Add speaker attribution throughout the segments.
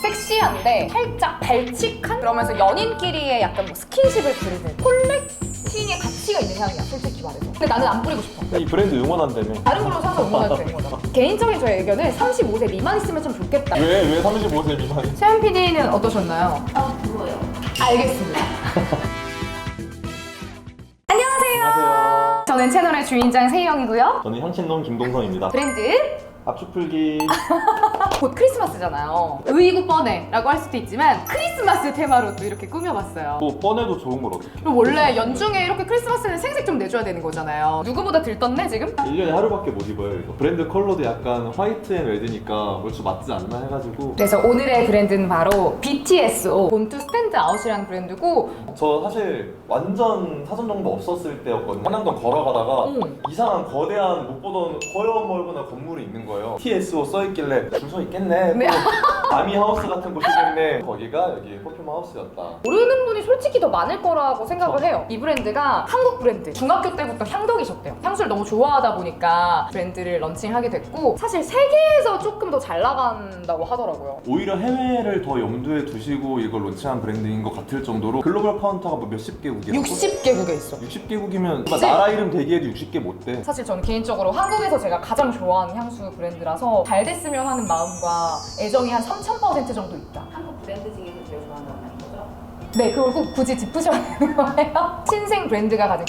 Speaker 1: 섹시한데 살짝 발칙한? 그러면서 연인끼리의 약간 뭐 스킨십을 부르는 콜렉팅의 가치가 있는 향이야, 솔직히 말해서. 근데 나는 안 뿌리고 싶어.
Speaker 2: 이 브랜드 응원한다며.
Speaker 1: 다른 걸로 사서 응원해도 되는 거잖아. 개인적인 저의 의견은 35세 미만 있으면 좀 좋겠다.
Speaker 2: 왜 35세 미만이?
Speaker 1: 세연 PD는 어떠셨나요?
Speaker 3: 그거요.
Speaker 1: 알겠습니다. 안녕하세요. 저는 채널의 주인장 세희영이고요.
Speaker 2: 저는 향신놈 김동성입니다.
Speaker 1: 브랜드
Speaker 2: 압축풀기.
Speaker 1: 곧 크리스마스잖아요. 의이고 뻔해라고 할 수도 있지만 크리스마스 테마로 또 이렇게 꾸며봤어요.
Speaker 2: 또 뻔해도 좋은 걸 어떻게?
Speaker 1: 그리고 원래 연중에 이렇게 크리스마스는 생색 좀 내줘야 되는 거잖아요. 누구보다 들떴네 지금?
Speaker 2: 1년에 하루밖에 못 입어요. 이거. 브랜드 컬러도 약간 화이트 앤 레드니까 얼추 맞지 않나 해가지고.
Speaker 1: 그래서 오늘의 브랜드는 바로 BTSO 본투 스탠드 아웃이라는 브랜드고,
Speaker 2: 저 사실 완전 사전 정보 없었을 때였거든요. 한남동 걸어가다가 이상한 거대한 못 보던 허여멀거나 건물이 있는 거예요. TSO 써있길래 줄 서 있겠네.
Speaker 1: 네.
Speaker 2: 아미 하우스 같은 곳이겠네. 거기가 여기 퍼퓸 하우스였다.
Speaker 1: 모르는 분이 솔직히 더 많을 거라고 생각을 해요. 이 브랜드가 한국 브랜드. 중학교 때부터 향덕이셨대요. 향수를 너무 좋아하다 보니까 브랜드를 런칭하게 됐고, 사실 세계에서 조금 더 잘 나간다고 하더라고요.
Speaker 2: 오히려 해외를 더 염두에 두시고 이걸 론칭한 브랜드인 것 같을 정도로 글로벌 카운터가 뭐 몇십 개국이라고?
Speaker 1: 60개국에 있어.
Speaker 2: 60개국이면
Speaker 1: 그치?
Speaker 2: 나라 이름 대기해도 60개 못 돼.
Speaker 1: 사실 저는 개인적으로 한국에서 제가 가장 좋아하는 향수 브랜드라서 잘 됐으면 하는 마음과 애정이 한 3000% 정도 있다.
Speaker 3: 한국 브랜드 중에서 제일 좋아하는 건 아닌 거죠?
Speaker 1: 네, 그걸 꼭 굳이 짚으셔야 되는 거예요. 신생 브랜드가 가진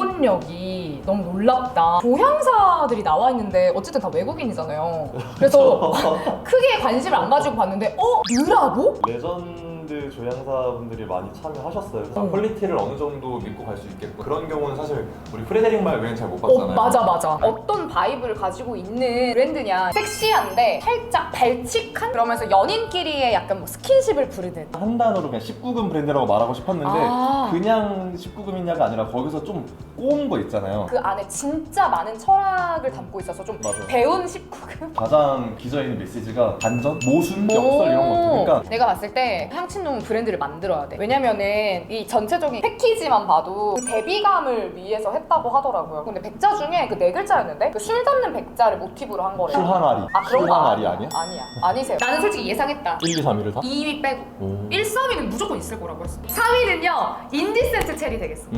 Speaker 1: 근본력이 너무 놀랍다. 조향사들이 나와 있는데 어쨌든 다 외국인이잖아요. 그래서 크게 관심을 안 가지고 봤는데 유라고?
Speaker 2: 레전드 조향사분들이 많이 참여하셨어요. 그래서 퀄리티를 어느 정도 믿고 갈 수 있겠고, 그런 경우는 사실 우리 프레데릭 말 외엔 잘 못 봤잖아요.
Speaker 1: 맞아. 어떤 바이브를 가지고 있는 브랜드냐. 섹시한데 살짝 발칙한? 그러면서 연인끼리의 약간 뭐 스킨십을 부르는.
Speaker 2: 한 단어로 그냥 19금 브랜드라고 말하고 싶었는데 그냥 19금이냐가 아니라 거기서 좀 꼬은 거 있잖아요.
Speaker 1: 그 안에 진짜 많은 철학을 담고 있어서 좀
Speaker 2: 맞아요.
Speaker 1: 배운 19금?
Speaker 2: 가장 기저있는 메시지가 반전, 모순, 역설 이런 거 그러니까
Speaker 1: 내가 봤을 때 향신놈 브랜드를 만들어야 돼. 왜냐면은 이 전체적인 패키지만 봐도 그 대비감을 위해서 했다고 하더라고요. 근데 백자 중에 그 네 글자였는데 그 술 담는 백자를 모티브로 한 거래요.
Speaker 2: 술항아리.
Speaker 1: 그런 거
Speaker 2: 술항아리 아니야?
Speaker 1: 아니야. 아니세요. 나는 솔직히 예상했다.
Speaker 2: 1, 2, 3위를 다?
Speaker 1: 2위 빼고.
Speaker 2: 오.
Speaker 1: 1, 3위는 무조건 있을 거라고 했어. 3위는요 인디센트 체리 되겠어.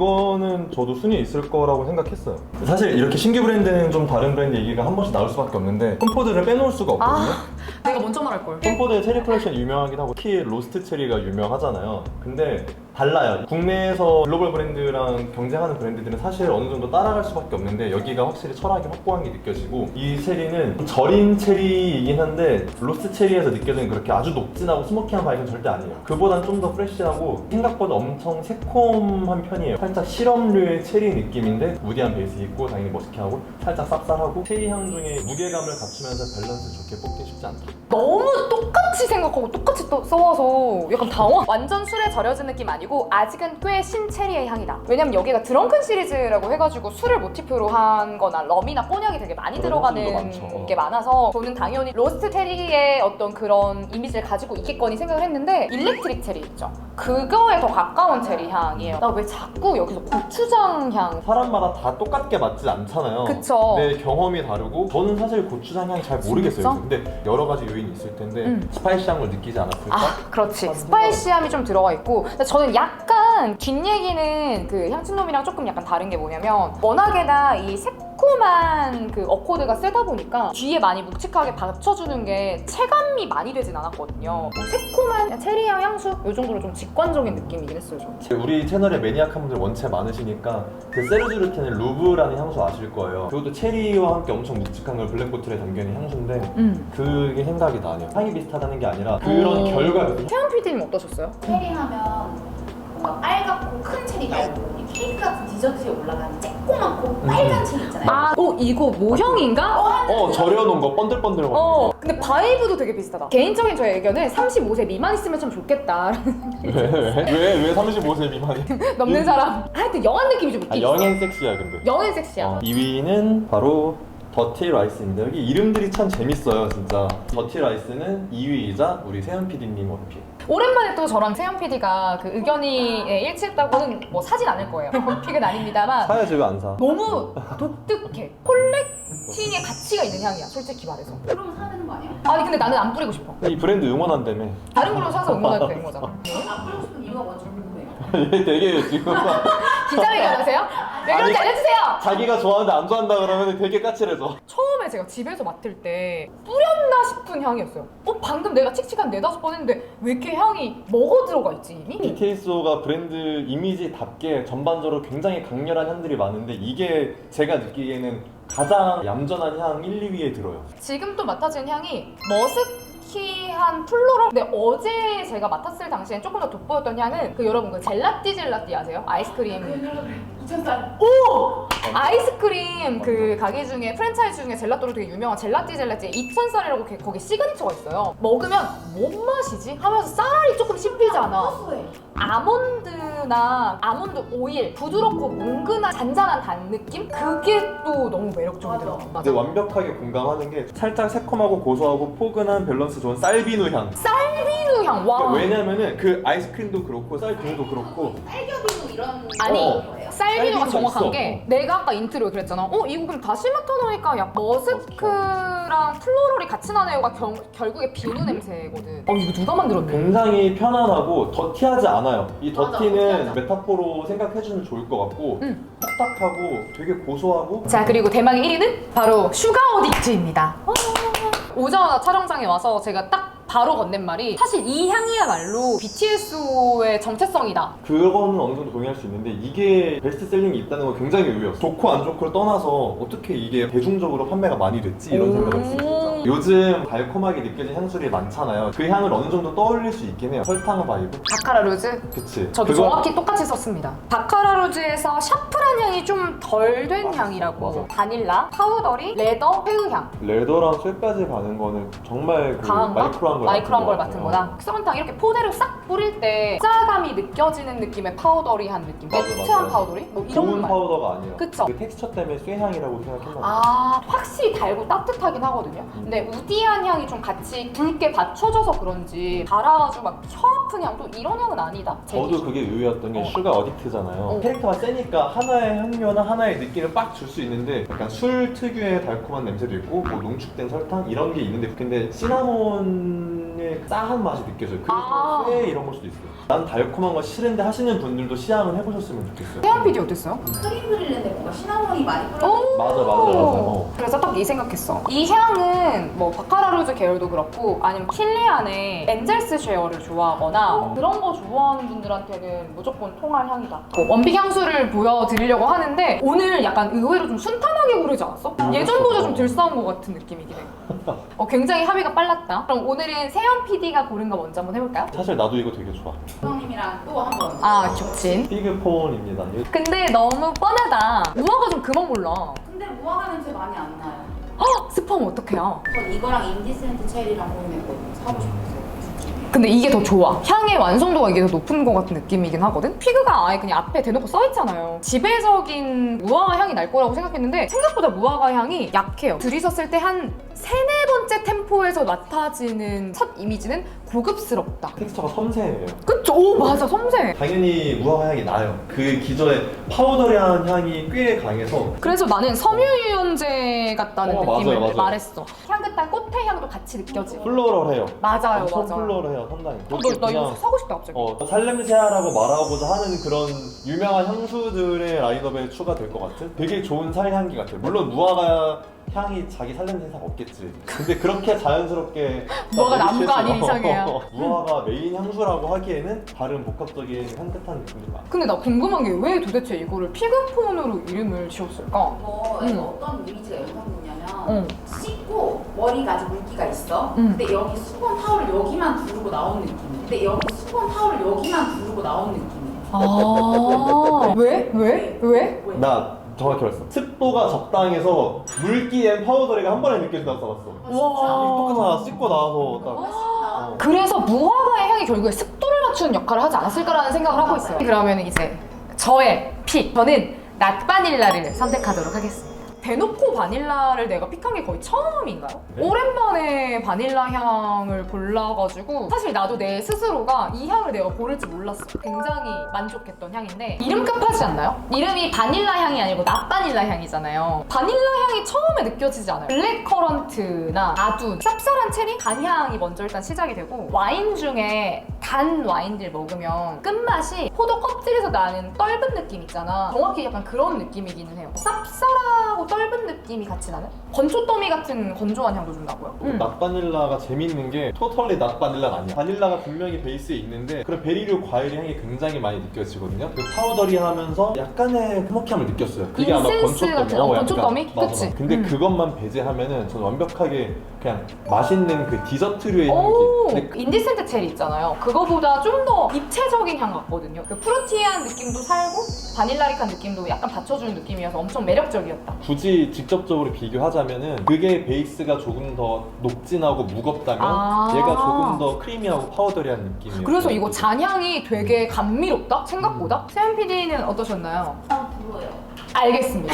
Speaker 2: 이거는 저도 순위에 있을 거라고 생각했어요. 사실 이렇게 신규 브랜드는 좀 다른 브랜드 얘기가 한 번씩 나올 수밖에 없는데 콤포드를 빼놓을 수가 없거든요.
Speaker 1: 내가 먼저 말할 걸.
Speaker 2: 콤포드의 체리 컬렉션 유명하긴 하고 특히 로스트 체리가 유명하잖아요. 근데 달라요. 국내에서 글로벌 브랜드랑 경쟁하는 브랜드들은 사실 어느 정도 따라갈 수밖에 없는데 여기가 확실히 철학이 확고한 게 느껴지고, 이 체리는 절인 체리이긴 한데 로스트 체리에서 느껴지는 그렇게 아주 녹진하고 스모키한 바이브는 절대 아니에요. 그보단 좀 더 프레쉬하고 생각보다 엄청 새콤한 편이에요. 살짝 시럽류의 체리 느낌인데 무디한 베이스 있고 당연히 머스키하고 살짝 쌉쌀하고, 체리 향 중에 무게감을 갖추면서 밸런스 좋게 뽑기 쉽지 않다.
Speaker 1: 너무 똑같이 생각하고 똑같이 또 써와서 약간 당황. 완전 술에 절여진 느낌 아니고 아직은 꽤 신체리의 향이다. 왜냐면 여기가 드렁큰 시리즈라고 해가지고 술을 모티프로 한 거나 럼이나 꼬냑이 되게 많이 들어가는 게 많아서 저는 당연히 로스트 체리의 어떤 그런 이미지를 가지고 있겠거니 생각을 했는데, 일렉트릭 체리 있죠? 그거에 더 가까운 체리 향이에요. 나 왜 자꾸 여기서 고추장 향.
Speaker 2: 사람마다 다 똑같게 맞지 않잖아요.
Speaker 1: 그쵸.
Speaker 2: 내 경험이 다르고 저는 사실 고추장 향 잘 모르겠어요.
Speaker 1: 진짜?
Speaker 2: 근데 여러 가지 요인이 있을 텐데 스파이시한 걸 느끼지 않았을까?
Speaker 1: 그렇지. 스파이시함이 좀 들어가 있고, 근데 저는 약간 뒷얘기는 그 향신놈이랑 조금 약간 다른 게 뭐냐면, 워낙에나 이 새콤한 그 어코드가 세다 보니까 뒤에 많이 묵직하게 받쳐주는 게 체감이 많이 되진 않았거든요. 새콤한 체리향 향수? 이 정도로 좀 직관적인 느낌이긴 했어요, 저는.
Speaker 2: 우리 채널에 매니악한 분들 원체 많으시니까 그 세르주르텐의 루브라는 향수 아실 거예요. 그것도 체리와 함께 엄청 묵직한 걸 블랙보틀에 담겨있는 향수인데 그게 생각이 나네요. 향이 비슷하다는 게 아니라 그런 결과가.
Speaker 1: 태연 PD님 어떠셨어요?
Speaker 3: 체리 하면 뭔가 빨갛고 큰 체리 말고 이 케이크 같은 디저트에 올라가는 쬐꼬맣고 빨간 체리 있잖아요.
Speaker 1: 이거 모형인가?
Speaker 2: 절여놓은 거 번들번들한 거.
Speaker 1: 근데 바이브도 되게 비슷하다. 개인적인 저의 의견은 35세 미만 있으면 좀 좋겠다.
Speaker 2: 왜 35세 미만이?
Speaker 1: 넘는 사람. 하여튼 영한 느낌이 좀 있긴 있어.
Speaker 2: 영행 섹시야 근데.
Speaker 1: 영한 섹시야.
Speaker 2: 2위는 바로 더티 라이스입니다. 여기 이름들이 참 재밌어요 진짜. 더티 라이스는 2위이자 우리 세연 PD님 원픽.
Speaker 1: 오랜만에 또 저랑 세연 PD가 그 의견이 일치했다고는 뭐 사진 않을 거예요. 원픽은 아닙니다만
Speaker 2: 사야지 왜 안 사?
Speaker 1: 너무 독특해. 콜렉팅의 가치가 있는 향이야, 솔직히 말해서.
Speaker 3: 그럼 사는 거 아니야?
Speaker 1: 아니 근데 나는 안 뿌리고 싶어.
Speaker 2: 이 브랜드 응원한다며.
Speaker 1: 다른 걸로 사서 응원해도 되는 거잖아.
Speaker 3: 안 뿌리고 싶은 이유가 뭔지 궁금해요.
Speaker 2: 얘 되게 지금
Speaker 1: 기자회견 하세요? 왜 그런지
Speaker 2: 아니,
Speaker 1: 알려주세요!
Speaker 2: 자기가 좋아하는데 안 좋아한다 그러면 되게 까칠해져.
Speaker 1: 처음에 제가 집에서 맡을 때 뿌렸나 싶은 향이었어요. 방금 내가 칙칙한 4-5번 했는데 왜 이렇게 향이 먹어 들어가 있지 이미?
Speaker 2: BTS가 브랜드 이미지답게 전반적으로 굉장히 강렬한 향들이 많은데 이게 제가 느끼기에는 가장 얌전한 향 1, 2위에 들어요.
Speaker 1: 지금 또 맡아지는 향이 머스키한 플로럴. 근데 어제 제가 맡았을 당시엔 조금 더 돋보였던 향은 여러분 그 젤라띠 아세요? 아이스크림.
Speaker 3: 2,000살.
Speaker 1: 아이스크림 그 가게 중에 프랜차이즈 중에 젤라또로 되게 유명한 젤라띠의 2,000살이라고 거기 시그니처가 있어요. 먹으면 뭔 맛이지? 하면서 쌀이 조금 씹히잖아.
Speaker 3: 고소해.
Speaker 1: 아몬드나 아몬드 오일 부드럽고 뭉근한 잔잔한 단 느낌? 그게 또 너무 매력적이더라고.
Speaker 2: 근데 완벽하게 공감하는 게 살짝 새콤하고 고소하고 포근한 밸런스 좋은 쌀비누 향.
Speaker 1: 쌀비누 향. 와.
Speaker 2: 왜냐면은 그 아이스크림도 그렇고 쌀비누도 그렇고
Speaker 3: 딸겨비누 이런
Speaker 1: 아니,
Speaker 3: 거예요?
Speaker 1: 쌀비누가
Speaker 2: 쌀비누가
Speaker 1: 정확한
Speaker 2: 있어.
Speaker 1: 게 내가 아까 인트로에 그랬잖아. 이거 그럼 다시 맡아놓으니까 약 머스크랑 플로럴이 같이 나네요가 결국에 비누 냄새거든. 이거 누가 만들었네?
Speaker 2: 굉장히 편안하고 더티하지 않아요. 이
Speaker 3: 맞아,
Speaker 2: 더티는
Speaker 3: 더티하지
Speaker 2: 메타포로 생각해주면 좋을 것 같고 딱딱하고 되게 고소하고.
Speaker 1: 자, 그리고 대망의 1위는 바로 슈가 어딕트입니다. 오자마자 촬영장에 와서 제가 딱 바로 건넨 말이 사실 이 향이야말로 BTS의 정체성이다.
Speaker 2: 그거는 어느 정도 동의할 수 있는데 이게 베스트셀링이 있다는 건 굉장히 의외였어. 좋고 안 좋고를 떠나서 어떻게 이게 대중적으로 판매가 많이 됐지 이런 생각을 했습니다. 요즘 달콤하게 느껴진 향수들이 많잖아요. 그 향을 어느 정도 떠올릴 수 있긴 해요. 설탕 바이브?
Speaker 1: 바카라 루즈?
Speaker 2: 그치.
Speaker 1: 저도 정확히 똑같이 썼습니다. 바카라 루즈에서 샤프란 향이 좀 덜 된 향이라고.
Speaker 2: 맞아.
Speaker 1: 바닐라, 파우더리, 레더, 회의향.
Speaker 2: 레더랑 쇠까지 가는 거는 정말 그
Speaker 1: 강한 거?
Speaker 2: 마이크로한 걸
Speaker 1: 맡은 거다. 설탕 이렇게 포대를 싹 뿌릴 때 짜감이 느껴지는 느낌의 파우더리한 느낌.
Speaker 2: 맞아,
Speaker 1: 매트한
Speaker 2: 맞아.
Speaker 1: 파우더리? 뭐 이런
Speaker 2: 좋은
Speaker 1: 말.
Speaker 2: 파우더가 아니야.
Speaker 1: 그쵸?
Speaker 2: 그 텍스처 때문에 쇠향이라고 생각했나 봐.
Speaker 1: 확실히 달고 따뜻하긴 하거든요. 근데 우디한 향이 좀 같이 굵게 받쳐져서 그런지 달아가지고 막 혀 아픈 향도 이런 향은 아니다. 제
Speaker 2: 저도
Speaker 1: 기준.
Speaker 2: 그게 의외였던 게 슈가 어딕트잖아요. 캐릭터가 세니까 하나의 향료나 하나의 느낌을 빡 줄 수 있는데 약간 술 특유의 달콤한 냄새도 있고 뭐 농축된 설탕 이런 게 있는데 근데 시나몬의 싸한 맛이 느껴져요. 그래서 쇠 이런 걸 수도 있어요. 난 달콤한 거 싫은데 하시는 분들도 시향을 해보셨으면 좋겠어요.
Speaker 1: 태연 PD 어땠어요?
Speaker 3: 크림 그릴는데 뭔가 시나몬이 많이 뿌려.
Speaker 2: 맞아.
Speaker 1: 그래서 딱 이 생각했어. 이 향은 뭐 바카라 루즈 계열도 그렇고 아니면 킬리안의 엔젤스 쉐어를 좋아하거나 그런 거 좋아하는 분들한테는 무조건 통할 향이다. 원픽 향수를 보여드리려고 하는데 오늘 약간 의외로 좀 순탄하게 고르지 않았어? 예전보다 좀 덜 싸운 것 같은 느낌이긴 해. 굉장히 합의가 빨랐다. 그럼 오늘은 세연 PD가 고른 거 먼저 한번 해볼까요?
Speaker 2: 사실 나도 이거 되게 좋아.
Speaker 3: 형님이랑 또 한번.
Speaker 1: 겹친.
Speaker 2: 피그폰입니다.
Speaker 1: 근데 너무 뻔하다. 우아가 좀 그만 몰라.
Speaker 3: 근데 무화과 냄새 많이 안 나요.
Speaker 1: 스팸 어떡해요?
Speaker 3: 전 이거랑 인디센트 체리랑 고민했거든요. 사고 싶었어요.
Speaker 1: 근데 이게 더 좋아. 향의 완성도가 이게 더 높은 것 같은 느낌이긴 하거든? 피그가 아예 그냥 앞에 대놓고 써있잖아요. 지배적인 무화과 향이 날 거라고 생각했는데 생각보다 무화과 향이 약해요. 들이셨을 때 한 3-4번째 템포에서 맡아지는 첫 이미지는 고급스럽다.
Speaker 2: 텍스처가 섬세해요.
Speaker 1: 그쵸? 오 맞아, 섬세해.
Speaker 2: 당연히 무화과 향이 나요. 그 기존의 파우더리한 향이 꽤 강해서
Speaker 1: 그래서 나는 섬유유연제 같다는 느낌을
Speaker 2: 맞아요.
Speaker 1: 말했어. 향긋한 꽃의 향도 같이 느껴지고.
Speaker 2: 플로럴해요.
Speaker 1: 맞아요,
Speaker 2: 엄청
Speaker 1: 맞아요.
Speaker 2: 플로럴해요, 상당히.
Speaker 1: 나 이거 사고 싶다 갑자기.
Speaker 2: 살냄새야라고 말하고자 하는 그런 유명한 향수들의 라인업에 추가될 것 같은 되게 좋은 살향기 같아요. 물론 무화과 향이 자기 살냄새 이상 없겠지. 근데 그렇게 자연스럽게
Speaker 1: 무화과 나무가 아닌 이상해요.
Speaker 2: 무화과 메인 향수라고 하기에는 다른 복합적인 향긋한 느낌이 많아.
Speaker 1: 근데 나 궁금한 게 왜 도대체 이거를 피그폰으로 이름을 지었을까?
Speaker 3: 이거에서 어떤 이미지가 연상됐냐면
Speaker 1: 응.
Speaker 3: 씻고 머리가 아직 물기가 있어.
Speaker 1: 응.
Speaker 3: 근데 여기 수건 타올을 여기만 두르고 나온 느낌이야. 근데 여기 수건 타올을 여기만 두르고 나온 느낌이야.
Speaker 1: 왜?
Speaker 2: 나 정확히 알았어. 습도가 적당해서 물기엔 파우더리가 한 번에 느껴진다고 써봤어.
Speaker 1: 와.
Speaker 2: 똑같아. 씻고 나와서 딱.
Speaker 3: 멋있다.
Speaker 1: 그래서 무화과의 향이 결국에 습도를 맞추는 역할을 하지 않았을까라는 생각을 하고 있어요. 그러면 이제 저의 픽. 저는 낫바닐라를 선택하도록 하겠습니다. 대놓고 바닐라를 내가 픽한 게 거의 처음인가요?
Speaker 2: 네.
Speaker 1: 오랜만에 바닐라 향을 골라가지고 사실 나도 내 스스로가 이 향을 내가 고를지 몰랐어. 굉장히 만족했던 향인데 이름값하지 않나요? 이름이 바닐라 향이 아니고 낫바닐라 향이잖아요. 바닐라 향이 처음에 느껴지지 않아요. 블랙커런트나 아둔, 쌉쌀한 체리, 단향이 먼저 일단 시작이 되고 와인 중에 단 와인들 먹으면 끝맛이 포도 껍질에서 나는 떫은 느낌 있잖아. 정확히 약간 그런 느낌이기는 해요. 쌉쌀하고 떫은 느낌이 같이 나는? 건초더미 같은 건조한 향도 좀 나고요.
Speaker 2: 낫바닐라가 재밌는 게 토털리 낫바닐라가 아니야. 바닐라가 분명히 베이스에 있는데 그런 베리류 과일 향이 굉장히 많이 느껴지거든요. 그 파우더리하면서 약간의 흐뭇함을 느꼈어요. 그게 아마
Speaker 1: 인센스
Speaker 2: 건초더미.
Speaker 1: 같은 건초더미?
Speaker 2: 맞아.
Speaker 1: 그치?
Speaker 2: 근데 그것만 배제하면은 저는 완벽하게 그냥 맛있는 그 디저트류의 향기.
Speaker 1: 오,
Speaker 2: 근데
Speaker 1: 인디센트 체리 있잖아요. 그거보다 좀 더 입체적인 향 같거든요. 그 프루티한 느낌도 살고 바닐라릭한 느낌도 약간 받쳐주는 느낌이어서 엄청 매력적이었다.
Speaker 2: 굳이 직접적으로 비교하자면은 그게 베이스가 조금 더 녹진하고 무겁다면
Speaker 1: 아.
Speaker 2: 얘가 조금 더 크리미하고 파우더리한 느낌이에요.
Speaker 1: 그래서 이거 잔향이 되게 감미롭다? 생각보다? 세연 PD는 어떠셨나요?
Speaker 3: 불어요.
Speaker 1: 알겠습니다.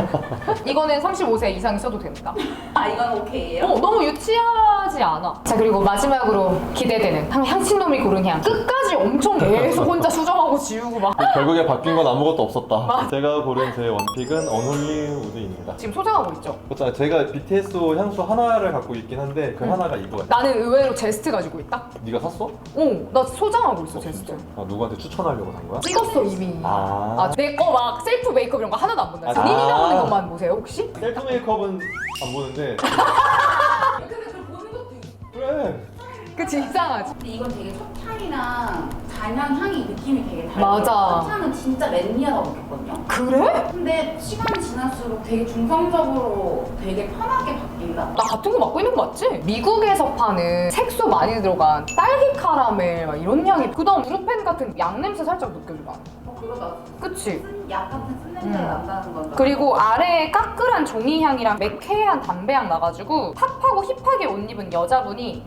Speaker 1: 이거는 35세 이상이 써도 됩니다.
Speaker 3: 아 이건 오케이예요?
Speaker 1: 너무 유치하지 않아. 자, 그리고 마지막으로 기대되는 향신놈이 고른 향. 끝까지 엄청 계속 혼자 수정하고 지우고 막.
Speaker 2: 결국에 바뀐 건 아무것도 없었다. 제가 고른 제 원픽은 언홀리 우드입니다.
Speaker 1: 지금 소장하고 있죠?
Speaker 2: 그렇잖아요. 제가 BTS 향수 하나를 갖고 있긴 한데 그 하나가 이거야.
Speaker 1: 나는 의외로 제스트 가지고 있다?
Speaker 2: 네가 샀어?
Speaker 1: 나 소장하고 있어, 제스트.
Speaker 2: 아, 누구한테 추천하려고 산 거야?
Speaker 1: 찍었어, 이미.
Speaker 2: 아.
Speaker 1: 내 거 막 셀프 메이크업 이런 거 하나도 안 본다.
Speaker 2: 아.
Speaker 1: 니니 나오는 것만 보세요, 혹시?
Speaker 2: 셀프 메이크업은 안 보는데
Speaker 3: 근데 그걸 보는 것도 있어.
Speaker 2: 그래.
Speaker 1: 그치, 이상하지?
Speaker 3: 근데 이건 되게 솥향이랑 잔향 향이 느낌이 되게 달라요.
Speaker 1: 맞아.
Speaker 3: 솥향은 진짜 맨니하다고 느꼈거든요.
Speaker 1: 그래?
Speaker 3: 근데 시간이 지날수록 되게 중성적으로 되게 편하게 바뀐다?
Speaker 1: 나 같은 거 맡고 있는 거 맞지? 미국에서 파는 색소 많이 들어간 딸기 카라멜 막 이런 향이 그다음 브루펜 같은 양 냄새 살짝 느껴져 나.
Speaker 3: 그러다
Speaker 1: 그치?
Speaker 3: 약 같은 쓴 냄새가 난다는 건가?
Speaker 1: 그리고 아래에 까끌한 종이 향이랑 매캐한 담배 향 나가지고 탑하고 힙하게 옷 입은 여자분이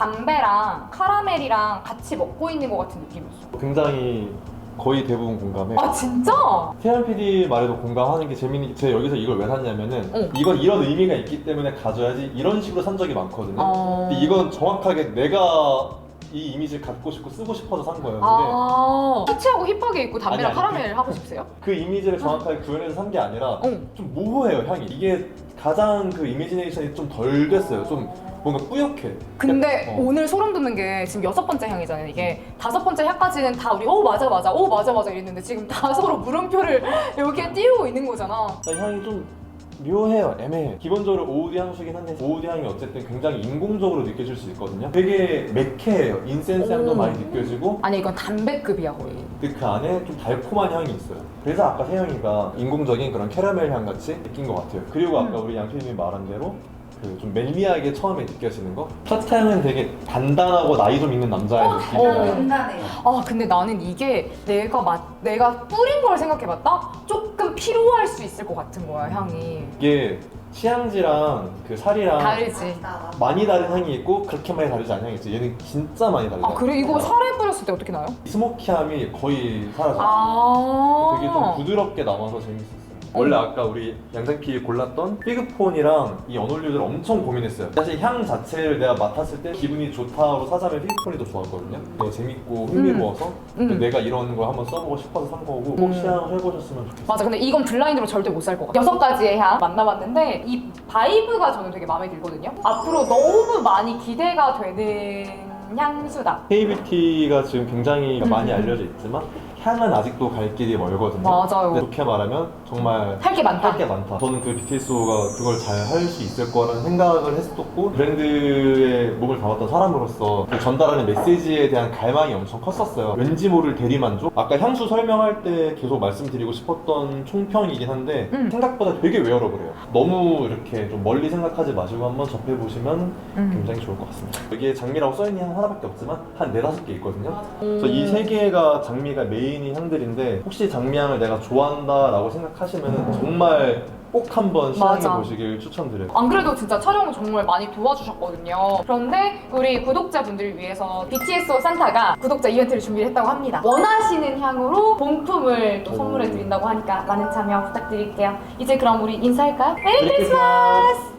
Speaker 1: 담배랑 카라멜이랑 같이 먹고 있는 것 같은 느낌이었어.
Speaker 2: 굉장히 거의 대부분 공감해.
Speaker 1: 아 진짜?
Speaker 2: 태연 PD 말에도 공감하는 게 재밌는 게 제가 여기서 이걸 왜 샀냐면은
Speaker 1: 응.
Speaker 2: 이건 이런 의미가 있기 때문에 가져야지 이런 식으로 산 적이 많거든요.
Speaker 1: 어...
Speaker 2: 근데 이건 정확하게 내가 이 이미지를 갖고 싶고 쓰고 싶어서 산 거예요. 근데
Speaker 1: 아 터치하고 힙하게 입고 담배랑
Speaker 2: 아니, 아니.
Speaker 1: 카라멜 하고 싶으세요?
Speaker 2: 그 이미지를 정확하게 구현해서 산 게 아니라
Speaker 1: 응.
Speaker 2: 좀 모호해요, 향이. 이게 가장 그 이미지네이션이 좀 덜 됐어요. 좀 뭔가 뿌옇해.
Speaker 1: 근데
Speaker 2: 어.
Speaker 1: 오늘 소름 돋는 게 지금 6번째 향이잖아요. 이게 5번째 향까지는 다 우리 맞아 이랬는데 지금 다 서로 물음표를 여기에 띄우고 있는 거잖아.
Speaker 2: 향이 좀 묘해요. 애매해. 기본적으로 오우드 향수긴 한데 오우드 향이 어쨌든 굉장히 인공적으로 느껴질 수 있거든요. 되게 매캐해요. 인센스 향도
Speaker 1: 오.
Speaker 2: 많이 느껴지고
Speaker 1: 아니 이건 담배급이야 거의.
Speaker 2: 근데 그 안에 좀 달콤한 향이 있어요. 그래서 아까 세영이가 인공적인 그런 캐러멜 향 같이 느낀 것 같아요. 그리고 아까 우리 양피디님이 말한 대로 그 좀 멜리하게 처음에 느껴지는 거. 첫 향은 되게 단단하고 나이 좀 있는 남자의 느낌이에요.
Speaker 3: 단단해요.
Speaker 1: 아 근데 나는 이게 내가 뿌린 걸 생각해봤다? 조금 피로할 수 있을 것 같은 거야 향이.
Speaker 2: 이게 치향지랑 그 살이랑
Speaker 1: 다르지.
Speaker 2: 많이 다른 향이 있고 그렇게 많이 다르지 않은 향이 있어. 얘는 진짜 많이 달라요.
Speaker 1: 아 그래 이거 살에 뿌렸을 때 어떻게 나요?
Speaker 2: 스모키함이 거의 사라져요.
Speaker 1: 아
Speaker 2: 되게 좀 부드럽게 남아서 재밌었어요. 원래 아까 우리 양장피 골랐던 피그폰이랑 이 언올류들 엄청 고민했어요. 사실 향 자체를 내가 맡았을 때 기분이 좋다고 사자면 피그폰이 더 좋았거든요. 되게 재밌고 흥미로워서 내가 이런 거 한번 써보고 싶어서 산 거고 꼭 시향을 해보셨으면 좋겠어요.
Speaker 1: 맞아. 근데 이건 블라인드로 절대 못 살 것 같아. 6가지의 향 만나봤는데 이 바이브가 저는 되게 마음에 들거든요. 앞으로 너무 많이 기대가 되는 향수다.
Speaker 2: K-뷰티가 지금 굉장히 많이 알려져 있지만 향은 아직도 갈 길이 멀거든요.
Speaker 1: 맞아요.
Speaker 2: 근데 좋게 말하면 정말
Speaker 1: 할 게 많다.
Speaker 2: 할 게 많다. 저는 그 BTS가 그걸 잘 할 수 있을 거라는 생각을 했었고 브랜드에 몸을 담았던 사람으로서 그 전달하는 메시지에 대한 갈망이 엄청 컸었어요. 왠지 모를 대리만족? 아까 향수 설명할 때 계속 말씀드리고 싶었던 총평이긴 한데 생각보다 되게 웨어러블해요. 너무 이렇게 좀 멀리 생각하지 마시고 한번 접해보시면 굉장히 좋을 것 같습니다. 여기에 장미라고 써있는 향 하나밖에 없지만 한 4-5개 있거든요. 그래서 이 3개가 장미가 메인 메인인 향들인데 혹시 장미향을 내가 좋아한다라고 생각하시면 정말 꼭 한번 시향해
Speaker 1: 맞아.
Speaker 2: 보시길 추천드려요.
Speaker 1: 안 그래도 진짜 촬영을 정말 많이 도와주셨거든요. 그런데 우리 구독자분들을 위해서 BTS 산타가 구독자 이벤트를 준비를 했다고 합니다. 원하시는 향으로 본품을 또 선물해 드린다고 하니까 많은 참여 부탁드릴게요. 이제 그럼 우리 인사할까요? 메리 크리스마스!